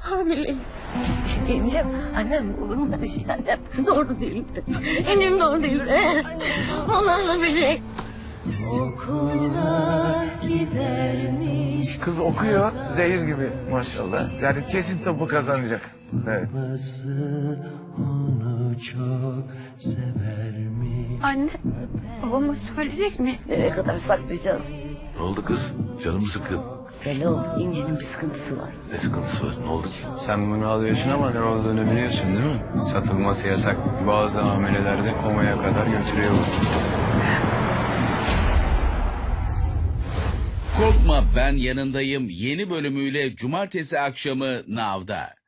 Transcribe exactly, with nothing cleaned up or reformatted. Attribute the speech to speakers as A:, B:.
A: Hamileyim. İncim, annem olur mu böyle şey annem? Doğru değil. İncim doğru değil. O nasıl bir şey? Okula gidermiş.
B: Kız okuyor zehir gibi maşallah. Yani kesin topu kazanacak. Evet.
C: Onu çok severmiş.
A: Anne, babama söyleyecek mi? Nereye kadar saklayacağız?
D: Ne oldu kız? Canım sıkın.
A: Selo, İnci'nin bir sıkıntısı var.
D: Ne sıkıntısı var? Ne oldu ki?
E: Sen bunu alıyorsun ama ne olduğunu biliyorsun değil mi? Satılması yasak. Bazı hamilelerde komaya kadar götürüyor bu.
F: Korkma, ben yanındayım yeni bölümüyle cumartesi akşamı Nav'da.